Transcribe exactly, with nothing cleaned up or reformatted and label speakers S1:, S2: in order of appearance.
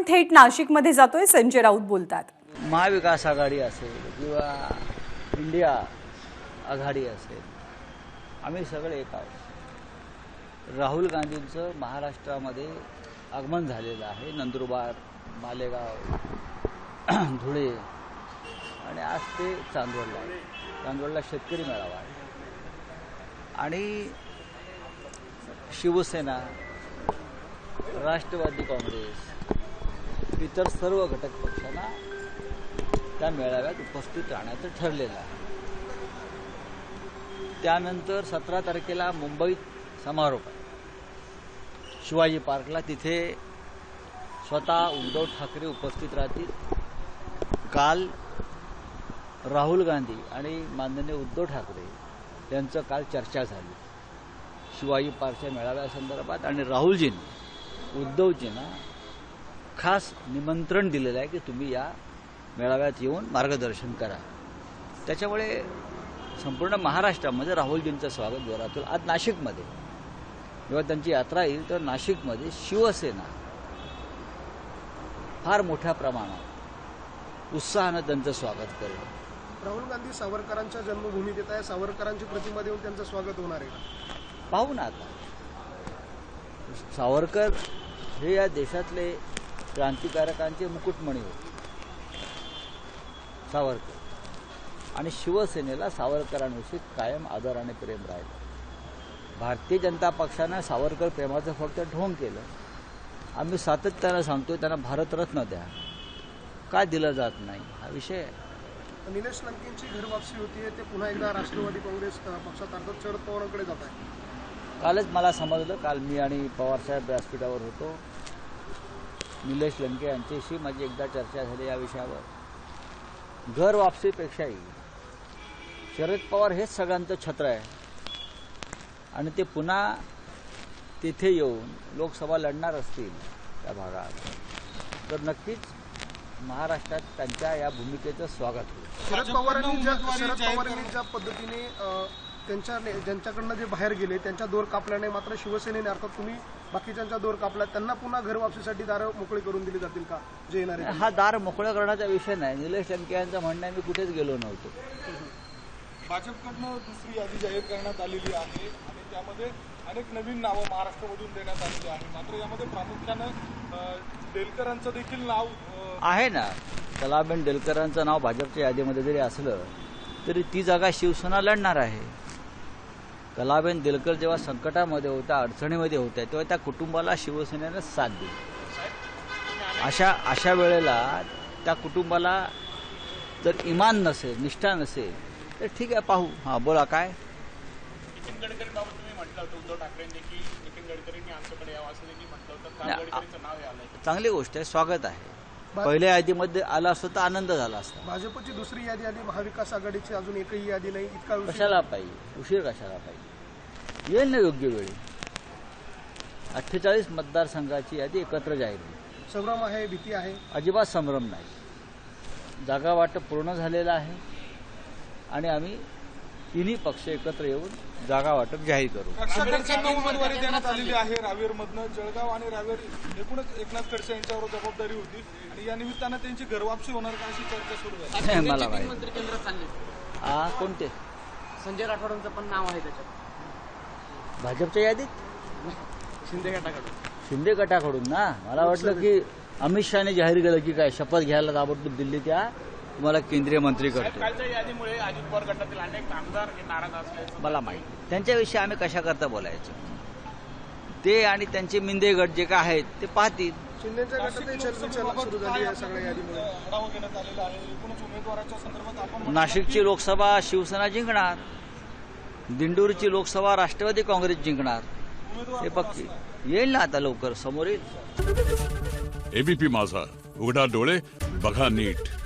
S1: थेट नाशिकमध्ये जातोय, संजय राऊत बोलतात।
S2: महाविकास आघाडी असेल किंवा इंडिया आघाडी असेल, आम्ही सगळे एक आहोत। राहुल गांधींचं महाराष्ट्रामध्ये आगमन झालेलं आहे। नंदुरबार, मालेगाव, धुळे आणि आज ते चांदवडला आहे। चांदवडला शेतकरी मेळावा आहे आणि शिवसेना, राष्ट्रवादी काँग्रेस, इतर सर्व घटक पक्षांना त्या मेळाव्यात उपस्थित राहण्याचं ठरलेलं आहे। त्यानंतर सतरा तारखेला मुंबईत समारोप आहे शिवाजी पार्कला। तिथे स्वतः उद्धव ठाकरे उपस्थित राहतील। काल राहुल गांधी आणि माननीय उद्धव ठाकरे यांचं काल चर्चा झाली शिवाजी पार्कच्या मेळाव्यासंदर्भात आणि राहुलजींनी उद्धवजींना खास निमंत्रण दिलेलं आहे की तुम्ही या मेळाव्यात येऊन मार्गदर्शन करा। त्याच्यामुळे संपूर्ण महाराष्ट्रामध्ये राहुलजींचं स्वागत जोरात होईल। आज नाशिकमध्ये जेव्हा त्यांची यात्रा येईल तर नाशिकमध्ये शिवसेना फार मोठ्या प्रमाणात उत्साहानं त्यांचं स्वागत करेल।
S3: राहुल गांधी सावरकरांच्या जन्मभूमीत येत आहे, सावरकरांची प्रतिमा देऊन त्यांचं स्वागत होणार आहे का?
S2: पाहू ना आता। सावरकर हे या देशातले क्रांतिकारकांचे मुकुटमणी होते सावरकर, आणि शिवसेनेला सावरकरांविषयी कायम आदर आणि प्रेम राहिलं। भारतीय जनता पक्षानं सावरकर प्रेमाचं फक्त ढोंग केलं। आम्ही सातत्यानं सांगतोय त्यांना भारतरत्न द्या, का दिलं जात नाही हा विषय आहे।
S3: निलेश लंकेंची घर वापसी होतीये, ते पुन्हा एकदा राष्ट्रवादी काँग्रेस पक्षात अर्थात शरद पवारांकडे जात आहे।
S2: कालच मला समजलं, काल मी आणि पवारसाहेब व्यासपीठावर होतो। निलेश लंके यांच्याशी माझी एकदा चर्चा झाली या विषयावर। घर वापसीपेक्षाही शरद पवार हेच सगळ्यांचं छत्र आहे आणि ते पुन्हा तिथे येऊन लोकसभा लढणार असतील त्या भागात तर नक्कीच महाराष्ट्रात त्यांच्या या भूमिकेचं स्वागत होईल।
S3: शरद पवारांनी ज्या शरद पवारांनी ज्या पद्धतीने त्यांच्या ज्यांच्याकडनं जे बाहेर गेले त्यांच्या दोर कापल्याने मात्र शिवसेनेने अर्थात तुम्ही बाकीच्यांचा दोर कापला, त्यांना पुन्हा घर वापसीसाठी दारं मोकळी करून दिली जातील का जे येणार आहे?
S2: हा दार मोकळं करण्याचा विषय नाही। निलेश लंके यांचं म्हणणं आहे मी कुठेच गेलो नव्हतो।
S4: भाजपकडनं दुसरी यादी जाहीर करण्यात आलेली आहे आणि त्यामध्ये अनेक नवीन नावं महाराष्ट्रामधून देण्यात आलेली आहे, मात्र यामध्ये प्रामुख्यानं डेलकरांचं देखील नाव
S2: आहे ना। कलाबेन डेलकरांचं नाव भाजपच्या यादीमध्ये जरी असलं तरी ती जागा शिवसेना लढणार आहे। कलाबेन डेलकर जेव्हा संकटामध्ये होत्या, अडचणीमध्ये होत्या, तेव्हा त्या कुटुंबाला शिवसेनेनं साथ दिली। अशा अशा वेळेला त्या कुटुंबाला जर इमान नसेल, निष्ठा नसेल तर ठीक आहे, पाहू। हां बोला, काय?
S4: नितीन गडकरींबाबत तुम्ही म्हटलं होतं, उद्धव ठाकरेंनी की नितीन गडकरींनी आमच्याकडे यावं असं देखील म्हटलं होतं, काल गडकरींचं नाव आलंय।
S2: चांगली गोष्ट आहे, स्वागत आहे। पहिल्या यादीमध्ये आला असतं तर आनंद झाला असता।
S3: भाजपची दुसरी यादी आली, महाविकास आघाडीची अजून एकही यादी नाही, इतका उशीर
S2: कशाला पाहिजे? उशीर कशाला पाहिजे? येईल ना योग्य वेळी। अठ्ठेचाळीस मतदारसंघाची यादी एकत्र जाहीर होईल।
S3: संभ्रम आहे, भीती आहे?
S2: अजिबात संभ्रम नाही। जागा वाटप पूर्ण झालेलं आहे आणि आम्ही तिन्ही पक्ष एकत्र येऊन जागा वाटप जाहीर करू।
S4: खडसेंना उमेदवारी देण्यात आलेली आहे रावेरमधनं। जळगाव आणि रावेर एकूणच एकनाथ खडसे यांच्यावर जबाबदारी होती आणि या निमित्तानं त्यांची घरवापसी होणार का अशी चर्चा सुरू झाली।
S2: मला माहिती। हा, कोणते?
S5: संजय राठोडांचं पण नाव आहे त्याच्यात
S2: भाजपच्या यादीत?
S5: शिंदे गटाकडून
S2: शिंदे गटाकडून ना? मला वाटलं की अमित शहाने जाहीर केलं की काय शपथ घ्यायला ताबडतोब दिल्लीत या, तुम्हाला केंद्रीय मंत्री करतो।
S4: कालच्या यादीमुळे अजित पवार गटातील अनेक आमदार नाराज असल्याचं
S2: मला माहिती। त्यांच्याविषयी आम्ही कशा करता बोलायचं? ते आणि त्यांचे मिंदे गट जे काय आहेत ते पाहतील।
S3: शिंदेच्या गटातही चर्चा सुरू झाली आहे सगळ्या यादीमुळे।
S4: आढावा घेण्यात आलेला आहे। एकूणच उमेदवाराच्या संदर्भात आपण
S2: नाशिकची लोकसभा शिवसेना जिंकणार, दिंडोरीची लोकसभा राष्ट्रवादी काँग्रेस जिंकणार, हे पक्की येईल ना आता लवकर समोर येईल।
S6: एबीपी माझा, उघडा डोळे बघा नीट।